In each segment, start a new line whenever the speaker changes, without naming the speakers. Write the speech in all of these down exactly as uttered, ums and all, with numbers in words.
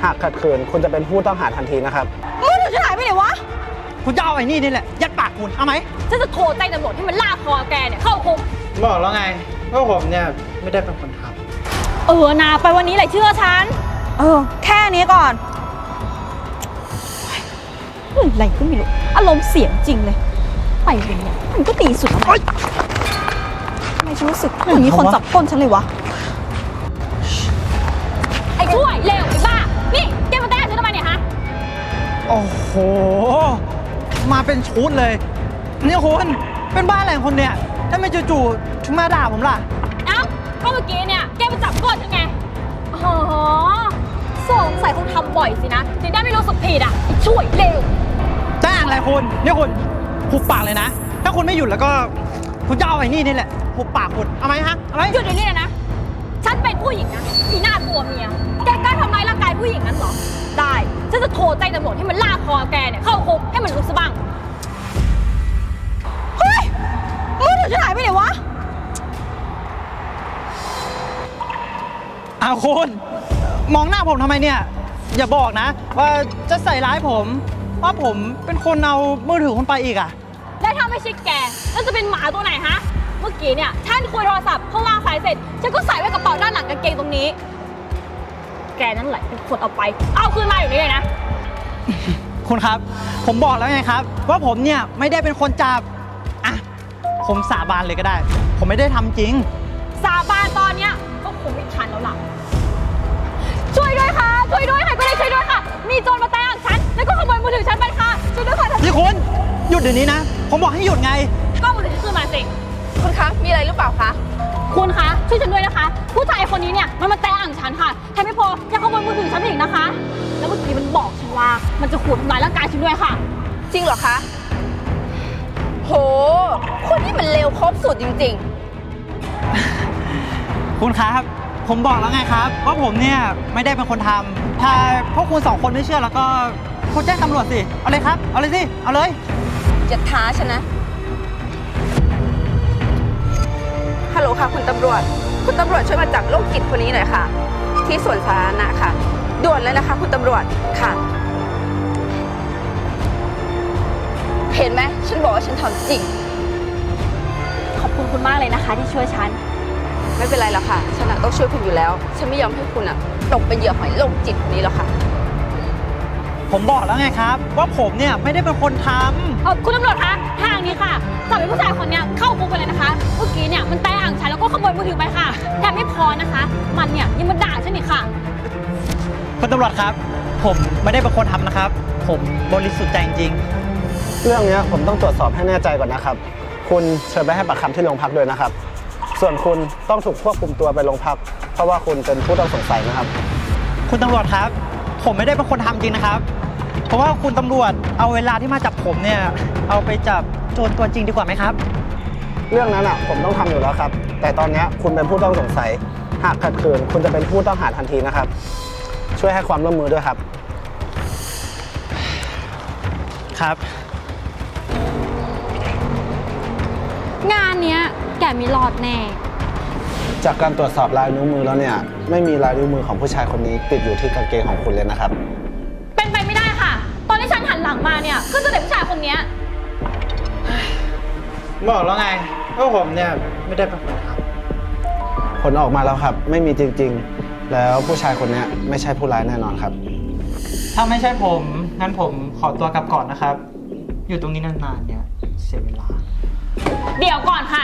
ากขัดขืนคุณจะเป็นผู้ต้องหาทันทีนะครับ
มือถือฉันหายไปไหนวะ
คุณจะเอาไอ้นี่นี่แหละยัดปากคุณเอาไหม
ฉันจะโทรแจ้งตำรวจให้มันลากคอแกเนี่ยเข้าคุก
บอกแล้วไงว่าผมเนี่ยไม่ได้เป็นคนท
ำเออนาไปวันนี้แหละเชื่อฉันเออแค่นี้ก่อนอะไรก็ไม่รู้อารมณ์เสียงจริงเลยไปวันนี้มันก็ตีสุดแล้วไหมทำไมฉันรู้สึกเหมือนมีคนจับก้นฉันเลยวะไอ้ช่วยเร็วไอ้บ้านี่แกมาแตะฉันทำไมเนี่ยฮะ
โอ้โหมาเป็นชุดเลยนี่คุณเป็นบ้าอะไรของคนเนี่ยถ้าไม่จู่ๆถึงมาด่าผมล่ะ
เอ้าก็เมื่อกี้เนี่ยแกมาจับก้นฉันไงอ๋อสงสัยคงทำบ่อยสินะถึงได้ไม่รู้สึกผิดอ่ะไอ้ช่วยเร็ว
จ้างอะไรคุณนี่คุณหุบปากเลยนะถ้าคุณไม่หยุดแล้วก็คุณจะเอาไอ้นี่นี่แหละหุบปากคุณเอาไหมฮะเอาไหม
หยุดเดี๋ยวนี้เลยนะฉันเป็นผู้หญิงนะอีหน้าตัวเมียแกกล้าทำร้ายร่างกายผู้หญิงนั้นเหรอได้ฉันจะโทรแจ้งตำรวจให้มันลากคอแกเนี่ยเข้าคุกให้มันรู้ซะบ้างเฮ้ยมือถือฉันหายไปไหนวะ
อ้าวคุณมองหน้าผมทำไมเนี่ยอย่าบอกนะว่าจะใส่ร้ายผมว่าผมเป็นคนเอามือถือคุณไปอีกอะ
แล้วถ้าไม่ใช่แกแล้วจะเป็นหมาตัวไหนฮะเมื่อกี้เนี่ยฉันคุยโทรศัพท์พอวางสายเสร็จฉันก็ใส่ไว้กระเป๋าด้านหลังกางเกงตรงนี้แกนั่นแหละเป็นคนเอาไปเอาคืนมาอยู่นี่เลยนะ
คุณครับผมบอกแล้วไงครับว่าผมเนี่ยไม่ได้เป็นคนจับอ่ะผมสาบานเลยก็ได้ผมไม่ได้ทำจริง
สาบานตอนเนี้ยก็คงไม่ทันแล้วล่ะช่วยด้วยค่ะช่วยด้วยค่ะก็ได้ช่วยด้วยค่ะมีโจรมาแทงฉันแล้วก็ขโมยมือถือฉันไปค่ะช่วยด้วยค่ะ
นี่คุณหยุดเดี๋ยวนี้นะผมบอกให้หยุดไง
ก็มือถือฉันคืนมาสิ
คุณคะมีอะไรหรือเปล่าคะ
คุณคะช่วยฉันด้วยนะคะผู้ชายคนนี้เนี่ยมันมาแตะอ่างฉันค่ะแถมไม่พอยังขโมยมือถือฉันอีกนะคะแล้วเมื่อกี้มันบอกฉันว่ามันจะขู่ทำร้ายร่างกายฉันด้วยค่ะ
จริงเหรอคะโหคนนี้มันเลวครบสุดจริง
ๆคุณครับผมบอกแล้วไงครับว่าผมเนี่ยไม่ได้เป็นคนทำถ้าพวกคุณสองคนไม่เชื่อแล้วก็คุณแจ้งตำรวจสิเอาเลยครับเอาเลยสิเอาเลย
จะท้าฉันนะฮัลโหลค่ะคุณตำรวจคุณตำรวจช่วยมาจับโรคจิตคนนี้หน่อยค่ะที่สวนสาธารณะค่ะด่วนเลยนะคะคุณตำรวจค่ะเห็นไหมฉันบอกว่าฉันทำจริง
ขอบคุณคุณมากเลยนะคะที่ช่วยฉัน
ไม่เป็นไรหรอกค่ะฉันต้องช่วยคุณอยู่แล้วฉันไม่ยอมให้คุณอะตกเป็นเหยื่อของโรคจิตคนนี้หรอกค่ะ
ผมบอกแล้วไงครับว่าผมเนี่ยไม่ได้เป็นคนท
ำคุณตำรวจคะทางนี้ค่ะจับไอ้ผู้ชายคนนี้เข้าคุกไปเลยนะคะเมื่อกี้เนี่ยมันแตะอ่างฉันแล้วก็ขโมยมือถือไปค่ะแถมไม่พอนะคะมันเนี่ยยังมาด่าฉันอีกค่ะ
คุณตำรวจครับผมไม่ได้เป็นคนทำนะครับผมบริสุทธิ์ใจจริง
เรื่องนี้ผมต้องตรวจสอบให้แน่ใจก่อนนะครับคุณเชิญไปให้ปากคำที่โรงพักด้วยนะครับส่วนคุณต้องถูกควบคุมตัวไปโรงพักเพราะว่าคุณเป็นผู้ต้องสงสัยนะครับ
คุณตำรวจครับผมไม่ได้เป็นคนทำจริงนะครับเพราะว่าคุณตำรวจเอาเวลาที่มาจับผมเนี่ยเอาไปจับโจรตัวจริงดีกว่าไหมครับ
เรื่องนั้นอ่ะผมต้องทำอยู่แล้วครับแต่ตอนนี้คุณเป็นผู้ต้องสงสัยหากขัดขืนคุณจะเป็นผู้ต้องหาทันทีนะครับช่วยให้ความร่วมมือด้วยครับ
ครับ
งานเนี้ยแกมีรอดแน่
จากการตรวจสอบลายนิ้วมือแล้วเนี่ยไม่มีลายนิ้วมือของผู้ชายคนนี้ติดอยู่ที่กางเกงของคุณเลยนะครับ
เป็นไปไม่ได้ค่ะตอนที่ฉันหันหลังมาเนี่ยก็จะเห็นผู้ชายคนนี้
บอกแล้วไงว่าผมเนี่ยไม่ได้เป็นคนท
ำผลออกมาแล้วครับไม่มีจริงๆแล้วผู้ชายคนนี้ไม่ใช่ผู้ร้ายแน่นอนครับ
ถ้าไม่ใช่ผมงั้นผมขอตัวกลับก่อนนะครับอยู่ตรงนี้นานๆเนี่ยเสียเวลา
เดี๋ยวก่อนค่ะ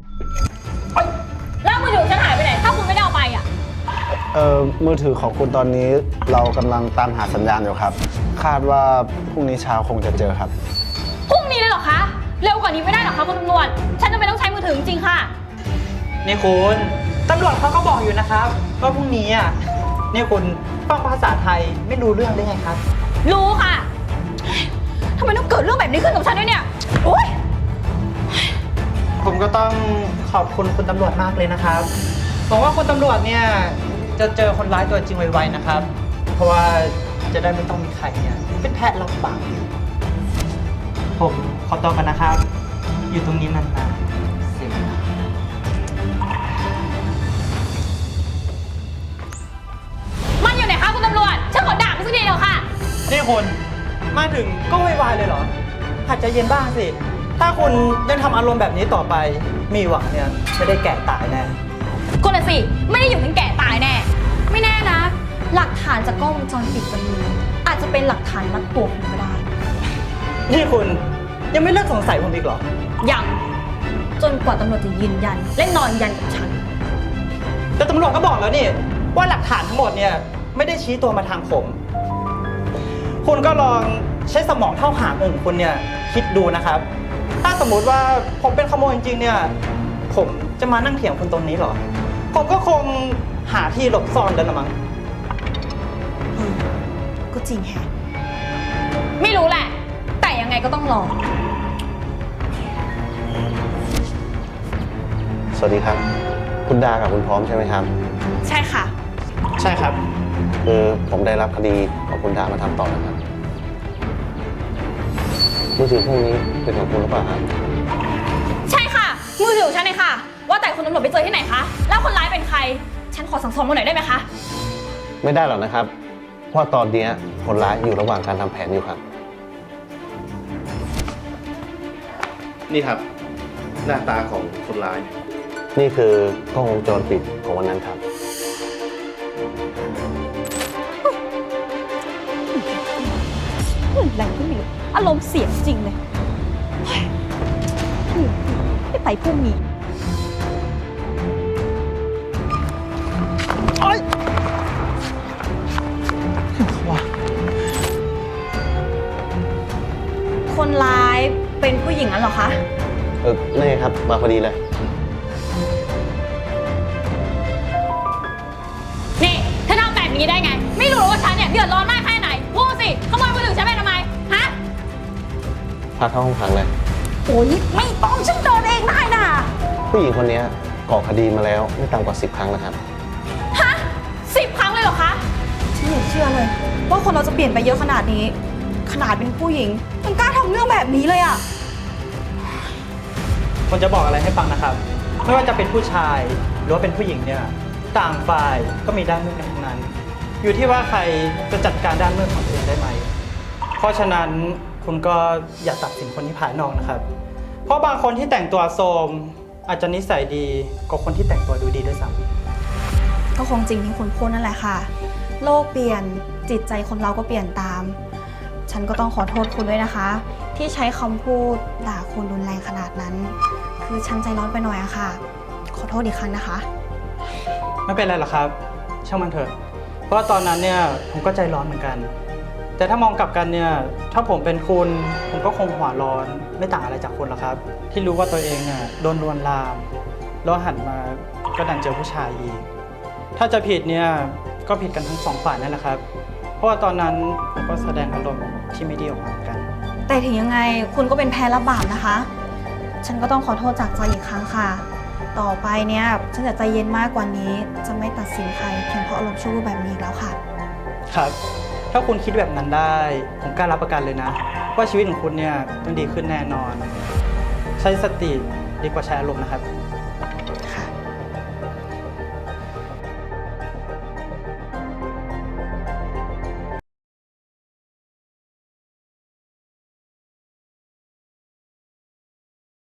แล้วมือถือฉันหายไปไหนถ้าคุณไม่ได้เอาไปอ่ะ
เอ่อมือถือของคุณตอนนี้เรากำลังตามหาสัญญาณอยู่ครับคาดว่าพรุ่งนี้เช้าคงจะเจอครับ
พรุ่งนี้เลยเหรอคะเร็วกว่านี้ไม่ได้หรอคะคุณตำรวจฉันจำเป็นต้องใช้มือถือจริงค่ะ
นี่คุณตำรวจเขาก็บอกอยู่นะครับว่าพรุ่งนี้อ่ะนี่คุณฟังภาษาไทยไม่รู้เรื่องได้ไงครับ
รู้ค่ะทำไมต้องเกิดเรื่องแบบนี้ขึ้นกับฉันด้วยเนี่ยโอ๊ย
ผมก็ต้องขอบคุณคุณตำรวจมากเลยนะครับหวังว่าคุณตำรวจเนี่ยจะเจอคนร้ายตัวจริงไวๆนะครับเพราะว่าจะได้ไม่ต้องมีใครเนี่ยเป็นแพะรับบาปผมขอตัวกันนะครับอยู่ตรงนี้นานๆเสียเวลา
มันอยู่ไหนคะคุณตำรวจฉันขอด่าไป
คุณ มาถึงก็วายๆเลยเหรอ หัดใจเย็นบ้างสิ ถ้าคุณยังทำอารมณ์แบบนี้ต่อไป มีหวังเนี่ยไม่ได้แก่ตายแน่
ก็เลยสิ ไม่ได้อยู่ถึงแก่ตายแน่ ไม่แน่นะ หลักฐานจากกล้องวงจรปิดวันนี้อาจจะเป็นหลักฐานมัดตัวคุณก็ได้
นี่คุณยังไม่เลิกสงสัยผมอีกเหรอ
ยังจนกว่าตำรวจจะยืนยัน และนอนยันกับฉัน
แต่ตำรวจก็บอกแล้วนี่ว่าหลักฐานทั้งหมดเนี่ยไม่ได้ชี้ตัวมาทางผม คุณก็ลองใช้สมองเท่าหางของคุณเนี่ยคิดดูนะครับ ถ้าสมมุติว่าผมเป็นขโมยจริงๆเนี่ยผมจะมานั่งเถียงคุณตรงนี้เหรอ ผมก็คงหาที่หลบซ่อนแล้วละมั้ง
เออก็จริงแฮะ ไม่รู้แหละ แต่ยังไงก็ต้องลอง
สวัสดีครับ คุณดากับคุณพร้อมใช่ไหมครับ
ใช่ค่ะ
ใช่ครับ
คือผมได้รับคดีของคุณดามาทำต่อนะครับมือถือพวกนี้เป็นของคุณหรือเปล่าครับ
ใช่ค่ะ มือถือของฉันเองค่ะ ว่าแต่คุณตำรวจไปเจอที่ไหนคะ แล้วคนร้ายเป็นใคร ฉันขอสั่งสอนมาหน่อยได้ไหมคะ
ไม่ได้หรอกนะครับ เพราะว่าตอนนี้คนร้ายอยู่ระหว่างการทำแผนอยู่ครับ
นี่ครับ หน้าตาของคนร้าย
นี่คือกล้องวงจรปิดของวันนั้นครับ
อะไรก็ไม่รู้อารมณ์เสียจริงเลยเฮ้ยไม่ไปพรุ่งนี้ คนร้ายเป็นผู้หญิงนั้นเหรอคะ
เออนี่ครับมาพอดีเลย
นี่เธอทำแบบนี้ได้ไง ไม่รู้ว่าฉันเนี่ยเดือดร้อนมากแค่ไหน พูดสิขโมยมือถือฉันไปทำไม ฮะ
พาเข้าห้องขังเลย
โอ้ยไม่ต้องฉันโดนเองได้น่ะ
ผู้หญิงคนนี้ก่อคดีมาแล้วไม่ต่ำกว่าสิบครั้งแล้วครับ
ฮะสิบครั้งเลยเหรอคะ ฉันไม่เชื่อเลย ว่าคนเราจะเปลี่ยนไปเยอะขนาดนี้ ขนาดเป็นผู้หญิงยังกล้าทำเรื่องแบบนี้เลยอะ
ผมจะบอกอะไรให้ฟังนะครับ ไม่ว่าจะเป็นผู้ชายหรือว่าเป็นผู้หญิงเนี่ยต่างฝ่ายก็มีด้านมืดกันทั้งนั้น อยู่ที่ว่าใครจะจัดการด้านมืดของตัวเองได้ไหม เพราะฉะนั้นคุณก็อย่าตัดสินคนที่ภายนอกนะครับ เพราะบางคนที่แต่งตัวโทรมอาจจะนิสัยดีกว่าคนที่แต่งตัวดูดีด้วยซ้ำ
ก็คงจริงที่คุณพูดนั่นแหละค่ะ โลกเปลี่ยนจิตใจคนเราก็เปลี่ยนตาม ฉันก็ต้องขอโทษคุณด้วยนะคะ ที่ใช้คำพูดด่าคุณรุนแรงขนาดนั้น คือฉันใจร้อนไปหน่อยอะค่ะ ขอโทษอีกครั้งนะคะ
ไม่เป็นไรหรอกครับ ช่างมันเถอะ เพราะว่าตอนนั้นเนี่ยผมก็ใจร้อนเหมือนกัน แต่ถ้ามองกลับกันเนี่ยถ้าผมเป็นคุณผมก็คงหัวร้อนไม่ต่างอะไรจากคุณหรอกครับ ที่รู้ว่าตัวเองเนี่ยโดนลวนลามแล้วหันมาก็ดันเจอผู้ชายอีก ถ้าจะผิดเนี่ยก็ผิดกันทั้งสองฝ่ายนั่นแหละครับ เพราะว่าตอนนั้นผมก็แสดงอารมณ์ที่ไม่ดีออกมาเหมือนกัน
แต่ถึงยังไงคุณก็เป็นแพ้รับบาปนะคะ ฉันก็ต้องขอโทษจากใจอีกครั้งค่ะ ต่อไปเนี่ยฉันจะใจเย็นมากกว่านี้ จะไม่ตัดสินใครเพียงเพราะอารมณ์ชั่ววูบแบบนี้อีกแล้วค่ะ
ครับ ถ้าคุณคิดแบบนั้นได้ ผมกล้ารับประกันเลยนะ ว่าชีวิตของคุณเนี่ยต้องดีขึ้นแน่นอน ใช้สติดีกว่าใช้อารมณ์นะครับ